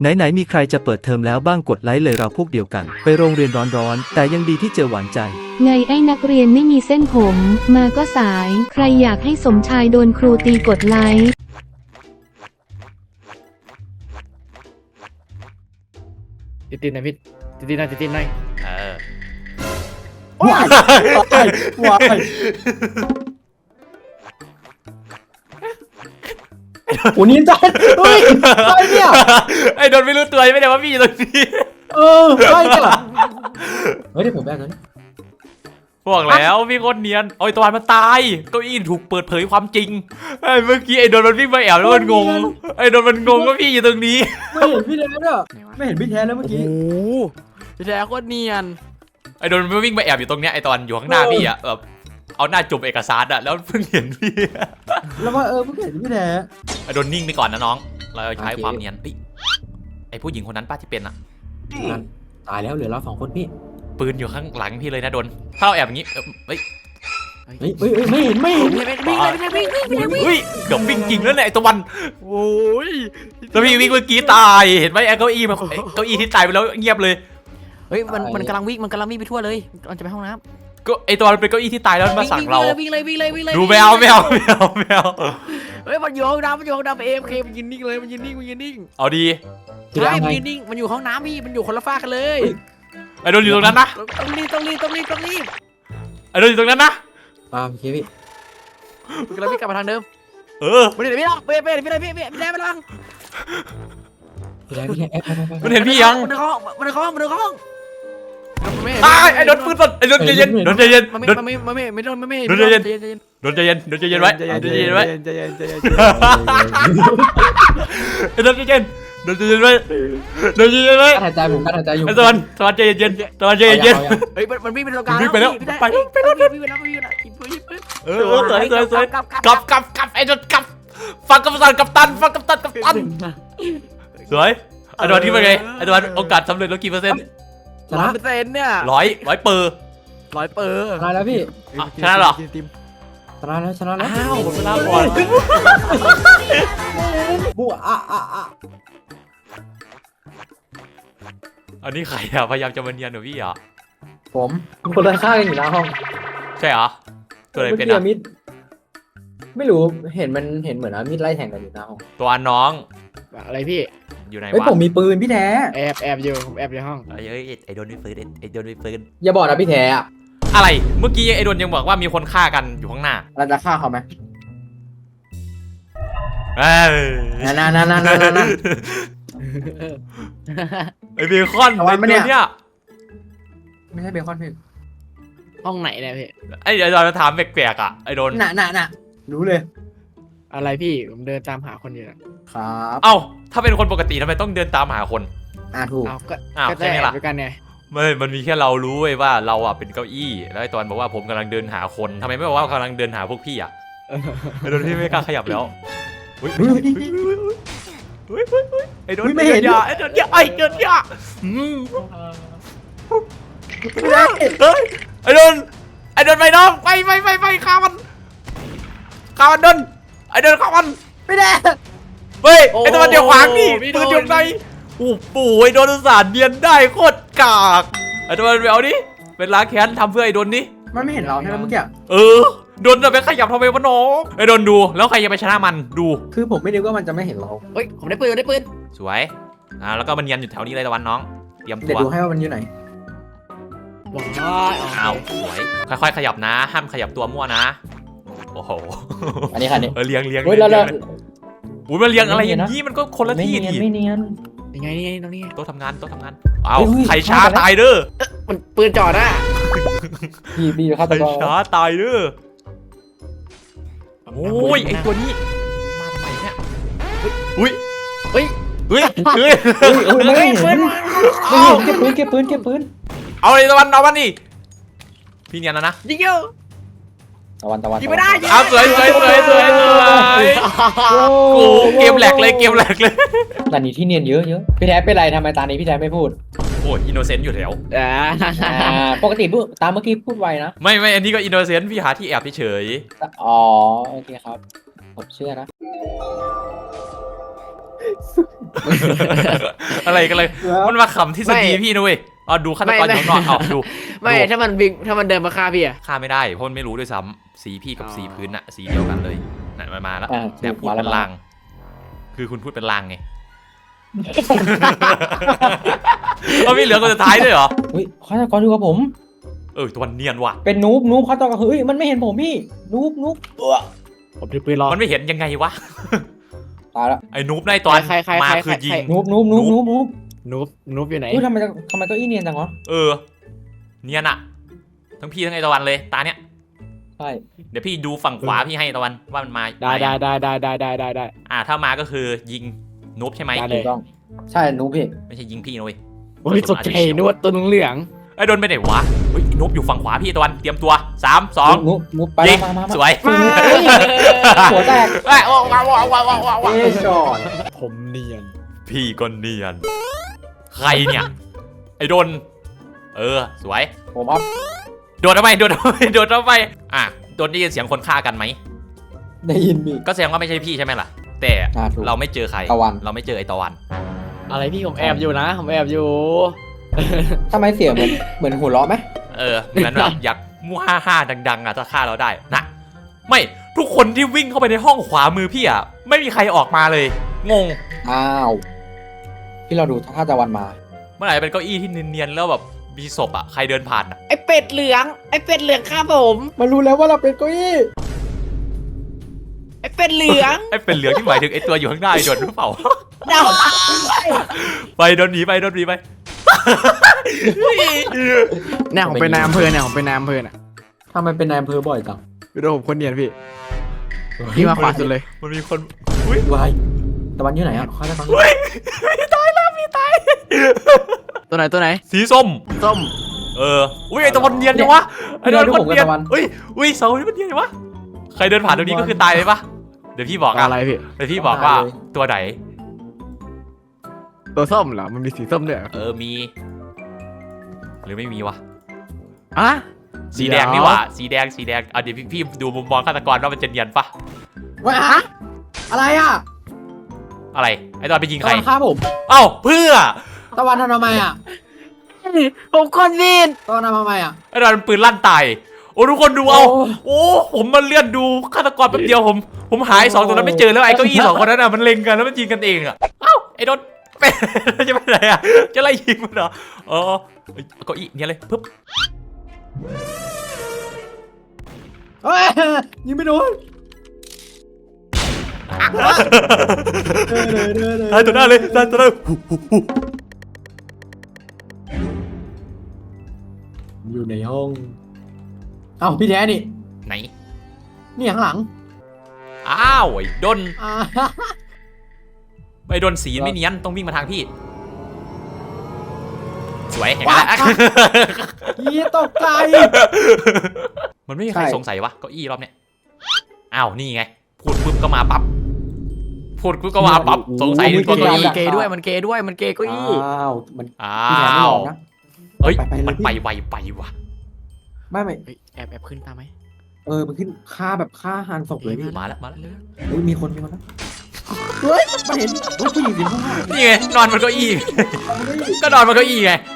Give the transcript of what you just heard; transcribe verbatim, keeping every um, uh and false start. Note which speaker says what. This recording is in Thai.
Speaker 1: ไหนๆมีใครจะเปิดเทอมแล้วบ้างกดไลค์เลยเราพวกเดียวกันไปโรงเรียนร้อนๆแต่ยังดีที่เจอหวานใจ
Speaker 2: ไงไอ้นักเรียนไม่มีเส้นผมมาก็สายใครอยากให้สมชายโดนครูตีกดไลค์
Speaker 3: ติดติดหน่อยพี่ติดติดหน่อยติดติดหน่อยเออ
Speaker 4: ว้ายว้ายโอ้นี่จ้าเฮ้ยใครเนี่ย
Speaker 3: ไอ้โดนไม่รู้ตัวไม่ได้ว่าพี่อยู่ตรงนี้
Speaker 4: เออใครเนี่ยเฮ้ยเดี๋ยวผมแบกเลย
Speaker 3: บอกแล้วพี่โคตรเนียนโอ้ยตะวันมันตายเก้าอี้ถูกเปิดเผยความจริงไอ้เมื่อกี้ไอ้โดนมันวิ่งมาแอบแล้วมันงงไอ้โดนมันงงว่าพี่อยู่ตรงนี้
Speaker 4: ไม่เห็นพี่แท้เนี่ยไม่เห็นพี่แท้แล้วเมื่อกี้
Speaker 3: โอ้พี่แท้โคตรเนียนไอ้โดนมันวิ่งมาแอบอยู่ตรงเนี้ยไอ้ตอนอยู่ข้างหน้าพี่อะแบบเอาหน้าจุ่มเอกสารอะแล้วเพิ่งเห็นพี่
Speaker 4: แล้วว่าเออเพิ่งเห็นพี่แท้
Speaker 3: ไอ้โดนนิ่งไปก่อนนะน้องเราใช้ความเนียนไอ้ผู้หญิงคนนั้นป้าที่เป็นอะ
Speaker 4: ตายแล้วเหลือเราสองคนพี่
Speaker 3: ปืนอยู่ข้างหลังพี่เลยนะโดนถ้าเราแอบอย่างนี้เฮ้ย
Speaker 4: เฮ้ยเฮ้ยไม่เห็นไม่เห็น
Speaker 3: วิ่งเลยวิ่งวิ่งวิ่งวิ่งวิ่งเกือบวิ่งจริงแล้วเนี่ยไอ้ตะวันโอ้ยแล้วพี่วิ่งเมื่อกี้ตายเห็นไหมไอ้เก้าอี้มันเก้าอี้ที่ตายไปแล้วเงียบเลย
Speaker 5: เฮ้ยมันมันกำลังวิ่งมันกำลังวิ่งไปทั่วเลยมันจะไปห้องน้
Speaker 3: ำก็ไอ้ตัวมันเป็นเก้าอี้ที่ตายแล้วมาสั่งเรา
Speaker 5: วิ่งเลยวิ่งเลยวิ่งเลย
Speaker 3: ดูแมวแมวแมวแมว
Speaker 5: เฮ้ยมันอยู่ห้องน้ำมันอยู่ห้องน้ำเอฟเคมันยืนนิ่งเลยมันยืนนิ่งมันยืนนิ่ง
Speaker 3: เอาดี
Speaker 5: ใช่มันยืนนิ่งมันอยู่ห้องน้ำพี่มันอยู่คนละฝ้ากันเลย
Speaker 3: ไอ้โดนอยู่ตรงนั้นนะ
Speaker 5: ต้องรีบต้องรีบต้องรีบต้องรีบ
Speaker 3: ไอ้โดนอยู่ตรงนั้นนะ
Speaker 4: อ่าโอเคพี่
Speaker 5: มันกำลังวิ่งกลับมาทางเดิม
Speaker 3: เออ
Speaker 5: ไม่ได้ไม่ได้ไม่ได้ไม่ได้ไม่ได้ไม่ได้ไม่ได้ไม่ได้
Speaker 4: พี่แท้พี่แท้
Speaker 3: มันเห็นพี่ยัง
Speaker 5: มันในห้องมันในห้องมันในห้อง
Speaker 3: ไอ้โดนปืนสดไอ้โดนใจเย็นโดนใจเย็น
Speaker 5: มันไม่มันไม่มันไม่ไม่โดนไม่ไม่
Speaker 3: โดนใจเย็นโดนใจเย็นโดนใจเย็นไว้ใจเย็นไว้
Speaker 5: ใจเย็นใจเย็น
Speaker 3: ไอ้โดนใจเย็นโดนใจเย็นไว้โดนใจเย็นไว้
Speaker 4: หายใจผมหายใจอยู่
Speaker 3: ไอ้ตะวันตะวันใจเย็นตะวันใจเย็น
Speaker 5: เฮ้ยมันวิ่งไปตรงกลาง
Speaker 3: วิ่งไปแล้วไป
Speaker 5: ไปแล้ววิ่งไปแล้ววิ่งไปแล้วกินปืนกินปืน
Speaker 3: เออสวยสวยสวยกลับกลับกลับไอ้โดนกลับฟังกัปตันกัปตันฟังกัปตันกัปตันสวยไอ้ตะวันที่เป็นไงไอ้ตะวันโอกาสสำเร็จแล้วกี่เปอร์เซ็นต์
Speaker 5: ร้อยเปอร์เซ็นต์เนี่ย
Speaker 3: ร้อยร้อยเปอร์
Speaker 5: ร้อยเปอร์
Speaker 4: ชนะแล้วพี่
Speaker 3: ชนะหรอ
Speaker 4: ชนะแล้วชนะแล้ว
Speaker 3: อ้าวชนะก่อน
Speaker 4: บัวอ่ะอ่ะอ่ะ
Speaker 3: อันนี้ใครอะพยายามจะมาเนียนหนูพี่อะ
Speaker 4: ผมคนละข้างอยู่หน้าห้อง
Speaker 3: ใช่เหรอตัวอะไรเป็นอะ
Speaker 4: มิดไม่รู้เห็นมันเห็นเหมือนว่ามิดไล่แทงกันอยู่หน้าห้อง
Speaker 3: ตัวน้อง
Speaker 5: อะไรพี่
Speaker 3: อยู่ไหนวะ
Speaker 4: เฮ้ยผมมีปืนพี่แท้
Speaker 5: แอบแอบอยู่แอบอยู่ห้อง
Speaker 3: ไอ้ไอ้โดนมีปืนไอ้โดนมีปืน
Speaker 4: อย่าบอกนะพี่แท้อะ
Speaker 3: อะไรเมื่อกี้ไอ้โดนยังบอกว่ามีคนฆ่ากันอยู่ข้างหน้า
Speaker 4: เราจะฆ่าเขาไหม
Speaker 3: เอ้
Speaker 4: ยนั่นนั่นนั่นนั่นนั่น
Speaker 3: ไอ้เบคอนไอ้ตัวเนี้ย
Speaker 4: ไม่ใช่เบคอนพี่
Speaker 5: ห้องไหนเนี่ยพี่
Speaker 3: ไอ้เดี๋ยวเราถามแปลกๆอ่ะไอ้โดน
Speaker 4: น่ะน่ะน่ะรู้เลย
Speaker 5: อะไรพี่ผมเดินตามหาคนอยู่
Speaker 4: ครับ
Speaker 3: เอ้าถ้าเป็นคนปกติทำไมต้องเดินตามหาคน
Speaker 4: อ่าถูก
Speaker 5: ก็
Speaker 3: อ้าวใช่ไหมล่ะ
Speaker 5: ด้วยกันไง
Speaker 3: ไม่มันมีแค่เรารู้เว้ยว่าเราอ่ะเป็นเก้าอี้แล้วไอ้ตอนบอกว่าผมกำลังเดินหาคนทำไมไม่บอกว่ากำลังเดินหาพวกพี่อ่ะไอ้โดนพี่ไม่กล้าขยับแล้วเฮ้ยไอ้โดน
Speaker 4: ไม่เห็น
Speaker 3: ยาไอ้โดนยาไอ้โดนยาไอ้โดนไอ้โดนไปน้องไปไปไปไปฆ่ามันฆ่ามันโดนไอ้โดนฆ่ามัน
Speaker 4: ไม่ได้
Speaker 3: เฮ้ยไอ้ตัวเดียวขวางนี่ปืนอยู่ไหนโอ้ปู่ไอ้โดนสารเดียนได้โคตรกากไอ้ตัวเดียวนี่เป็นล้างแค้นทำเพื่อไอ้โดนนี่
Speaker 4: มันไม่เห็นเราใช่ไหมเมื่อกี้
Speaker 3: เออโดนจะไปขยับทำไมวะน้องไอ้โดนดูแล้วใครจะไปชนะมันดู
Speaker 4: คือผมไม่นึกว่ามันจะไม่เห็นเรา
Speaker 5: เฮ้ยผมได้ปืนได้ปืน
Speaker 3: สวยอ่าแล้วก็มันยันอยู่แถวนี้เลยตะวันน้องเตรียมตัว
Speaker 4: เดี๋ยวดูให้ว่ามันอยู่ไหน
Speaker 5: ว้าว
Speaker 3: อ้าวสวยค่อยๆขยับนะห้ามขยับตัวมั่วนะโอ้โห
Speaker 4: อันนี้ค่ะนี่
Speaker 3: เออเลี้ยงเลี้ยง
Speaker 4: เฮ้ยแล้วแล้ว
Speaker 3: อุ้ยมันเลี้ยงอะไรอย่างนี้มันก็คนละที่ดิ
Speaker 4: ไม่เนียน
Speaker 5: ยังไงนี่ไงตรงนี้
Speaker 3: โต๊ะทำงานโต๊ะทำงานอ้าวใครช้าตายเด้อ
Speaker 5: มันปืนจ่อหน้า
Speaker 4: บีบีครับ
Speaker 3: ใครช้าตายเด้อโอ้ยไอตัวนี้มาทำไมเนี่ยอุ้ย
Speaker 5: เฮ้ย
Speaker 3: เฮ้ยเฮ้ย
Speaker 4: ไม่เห็นไม่เห็นเก็บปืนเก็บปืนเก็บปืน
Speaker 3: เอาเลยตะวันเอาวันนี่พี่เนียนแล้วนะ
Speaker 5: ยิงเยอะ
Speaker 4: ตะวันตะวัน
Speaker 5: ยิงไม่ได้
Speaker 3: อ้าวสวยสวยสวยสวยสวยกูเกมแหลกเลยเกมแหลกเลย
Speaker 4: ตอนนี้ที่เนียนเยอะเยอะพี่แท้เป็นไรทำไมตอนนี้พี่แท้ไม่พูด
Speaker 3: โอ้ยอินโนเซนต์อยู่แถว
Speaker 4: ปกติพูดตามเมื่อกี้พูดไวนะ
Speaker 3: ไม่ไม่อันนี้ก็อินโนเซนต์พี่หาที่แอบเฉย
Speaker 4: อ๋อโอเคครับผมเชื่อนะ
Speaker 3: อะไรกันเลยมันมาขำที่สตีพี่นะเว้ยอ๋อดูฆาตกรอยู่นอกอ๋อดู
Speaker 5: ไม่ถ้ามันวิ่งถ้ามันเดินมาฆ่าพี่อะ
Speaker 3: ฆ่าไม่ได้เพราะมันไม่รู้ด้วยซ้ำสีพี่กับสีพื้นอะสีเดียวกันเลยน่ะมามาแล้ว
Speaker 4: อ่า
Speaker 3: แต่พูดเป็นลางคือคุณพูดเป็นลางไงเอาพี่เหลือคนสุดท้ายด้วยเหรอ
Speaker 4: เฮ้ยฆาตกรอยู่กับผม
Speaker 3: เออตัวเนียนว่ะ
Speaker 4: เป็นนูบนูบฆาตกรเฮ้ยมันไม่เห็นผมพี่นูบนูบตัว
Speaker 5: ผมถือปืนรอ
Speaker 3: มันไม่เห็นยังไงวะ
Speaker 4: ตายละ
Speaker 3: ไอ้นูบในตอน
Speaker 5: ใครใครใคร
Speaker 3: มา
Speaker 5: ใคร
Speaker 3: คือยิง
Speaker 4: นูบนูบนูบนูบนูบ
Speaker 5: นูบนูบอยู่ไหน
Speaker 4: เฮ้ยทำไมทำไมเก็อี้เนียนจังวะ
Speaker 3: เออเนียนอะทั้งพี่ทั้งไอตะวันเลยตาเนี้ย
Speaker 4: ใช่
Speaker 3: เดี๋ยวพี่ดูฝั่งขวาพี่ให้ตะวันว่ามันมา
Speaker 5: ได้ได้ได้ได้ได้ได้ได้ได้
Speaker 3: อ่าถ้ามาก็คือยิงนูบใช่ไหม
Speaker 5: ได้เล
Speaker 4: ถู
Speaker 5: ย
Speaker 4: กต้องใช่นูบพี่
Speaker 3: ไม่ใช่ยิงพี่นะเว้ย
Speaker 5: โอ้ยตกใจนวดตัวเหลือง
Speaker 3: ไอ้โดนไปไหนวะเฮ้ยนูบอยู่ฝั่งขวาพี่ตะวันเตรียมตัวสามสอง
Speaker 4: นูบนูบไป
Speaker 3: ยิ
Speaker 4: แล้ว
Speaker 3: ง
Speaker 4: มามามา
Speaker 3: สวย
Speaker 4: หัวแตก
Speaker 3: เอ้ยว้าวว้าวว้าวว้าวว้าว
Speaker 4: เอ้ช็อต
Speaker 5: ผมเนียน
Speaker 3: พี่ก็เนียนใครเนี่ยไอ้โดนเออสวย
Speaker 4: ผมอัพ
Speaker 3: โดนทำไมโดนทำไมโดนทำไมอ่ะโดนได้ยินเสียงคนฆ่ากันไหม
Speaker 4: ได้ยินพี่
Speaker 3: ก็แสดงว่าไม่ใช่พี่ใช่ไหมล่ะ แต่
Speaker 4: อ่าถูก
Speaker 3: เราไม่เจอใคร
Speaker 4: ตะวัน
Speaker 3: เราไม่เจอไอ้ตะวัน
Speaker 5: อะไรพี่ผมแอบอยู่นะผมแอบอยู่
Speaker 4: ทำไมเสียงเหมือนเหมือนหัวเราะไหม
Speaker 3: เออเหมือนแบบอยากมู่ฮ่าฮ่าดังๆอ่ะจะฆ่าเราได้นะไม่ทุกคนที่วิ่งเข้าไปในห้องขวามือพี่อ่ะไม่มีใครออกมาเลยงง
Speaker 4: อ้าวพี่เราดูถ้าตะวันมา
Speaker 3: เมื่อไหร่เป็นเก้าอี้ที่เนียนๆแล้วแบบมีศพอ่ะใครเดินผ่านอ่ะ
Speaker 5: ไอเป็ดเหลืองไอเป็ดเหลืองฆ่าผม
Speaker 4: มันรู้แล้วว่าเราเป็นเก้าอี้
Speaker 5: ไอเป็ดเหลือง
Speaker 3: ไอ้เป็นเหลืองที่หมายถึงไอ้ตัวอยู่ข้างหน้าไอ้โดนหรือเปล่า
Speaker 5: เดา
Speaker 3: ไปโดนหนีไปโดนหนีไป
Speaker 5: เนี่ยผมเป็นนายอำเภอเนี่ยผมเป็นนายอำเภอน่ะ
Speaker 4: ทำไมเป็นนายอำเภอบ่อยจัง
Speaker 5: ดูผมคนเนียนพี่พี่มาขวาสุดเลย
Speaker 3: มันมีคนอุ้ยว
Speaker 4: ายตะวันอยู่ไหนอ่ะฆาตกร
Speaker 3: อุ้ยพี่ตายแล้วพี่ตาย
Speaker 5: ตัวไหนตัวไหน
Speaker 3: สีส้ม
Speaker 5: ส้ม
Speaker 3: เอออุ้ยไอ้ตะวันเนียนจังวะไอ้ตะวัน
Speaker 4: พี่
Speaker 3: คน
Speaker 4: ผมกับ
Speaker 3: เนียน
Speaker 4: ตะวัน
Speaker 3: อุ้ยอุ้ยเสานี่มันเนียนจังวะใครเดินผ่านตรงนี้ก็คือตายเลยปะเดี๋ยวพี่บอกอ่ะ
Speaker 5: อะไรพี่
Speaker 3: เดี๋ยวพี่บอกว่าตัวไหน
Speaker 5: ตัวส้มเหรอมันมีสีส้มด้วยเหรอ
Speaker 3: เออมี หรือไม่มีวะ
Speaker 5: อ่ะ
Speaker 3: สีแดงนี่หว่าสีแดงสีแดงอ่ะเดี๋ยวพี่พี่ดูมุมมองฆาตกรว่ามันจะเนียนปะ
Speaker 4: ว้าอะไรอ่ะ
Speaker 3: อะไรไอ้ตอนไปยิง
Speaker 4: ตะ
Speaker 3: ใคร
Speaker 4: วันฆ่าผม
Speaker 3: เอ้าเพื่อ
Speaker 4: ตะวันทำทำไมอ่ะ
Speaker 5: ผมคนผิด
Speaker 4: ตะวันทำทำไมอ่ะ
Speaker 3: ไอ้ตอนปืนลั่นตายโอ้ทุกคนดูเอา
Speaker 4: โอ้
Speaker 3: โอ้ผมมันเลื่อนดูฆาตกรแป๊บเดียวผมผมหายสองตัวนั้นไม่เจอแล้วไอ้เก้าอี้สองคนนั้นอ่ะมันเล็งกันแล้วมันยิงกันเองอ่ะเอ้าไอ้โดนเป็นจะไปไหนอ่ะจะไล่ยิงมันเหรออ๋อเก้าอี้เนี่ยเลยปึ๊บ
Speaker 4: เฮ้ยยิงไม่โดน
Speaker 3: ตายตัวหน้าเลยตายตัวหน้า
Speaker 4: อยู่ในห้องเอ้าพี่แท้นี่
Speaker 3: ไหน
Speaker 4: นี่ข้างหลัง
Speaker 3: อ้าวไอ้ดน
Speaker 4: อ่า
Speaker 3: ไอ้ดนสีไม่เนียนต้องวิ่งมาทางพี่สวยเห็นไหมล่ะ
Speaker 4: ยี่ตกใจ
Speaker 3: มันไม่มีใคร
Speaker 4: ใช่
Speaker 3: สงสัยวะเก้าอี้รอบเนี้ยอ้าวนี่ไงพูดปุ๊บก็มาปั๊บพูดปุ๊บก็มาปั๊บสงสัยในตัวเก้าอี้
Speaker 5: เกย์ด้วยมันเกย์ด้วยมันเกย์เก็อี้
Speaker 4: อ้าวมัน
Speaker 3: อ้า
Speaker 4: พี่แท้ไม่หล
Speaker 3: ว
Speaker 4: อกนะ
Speaker 3: เฮ้ย
Speaker 4: ไปไปเลย
Speaker 3: มัน
Speaker 4: พี่
Speaker 3: ไปไวไปว่ะ
Speaker 4: ไม่ไม่
Speaker 5: เฮ้ยแอบแอบขึ้นตามไหม
Speaker 4: เออมันขึ้นฆ่าแบบฆ่าหันศพเลยพี่
Speaker 3: มาแล้วมาแล้ว
Speaker 4: เฮ้ยมีคนมีคนนะเฮ้ยมันเห็นเฮ้ยผู้หญิงสิบห้า
Speaker 3: นี่ไงนอนบนเก้าอี้ ก็นอนบนเก้าอี้ไง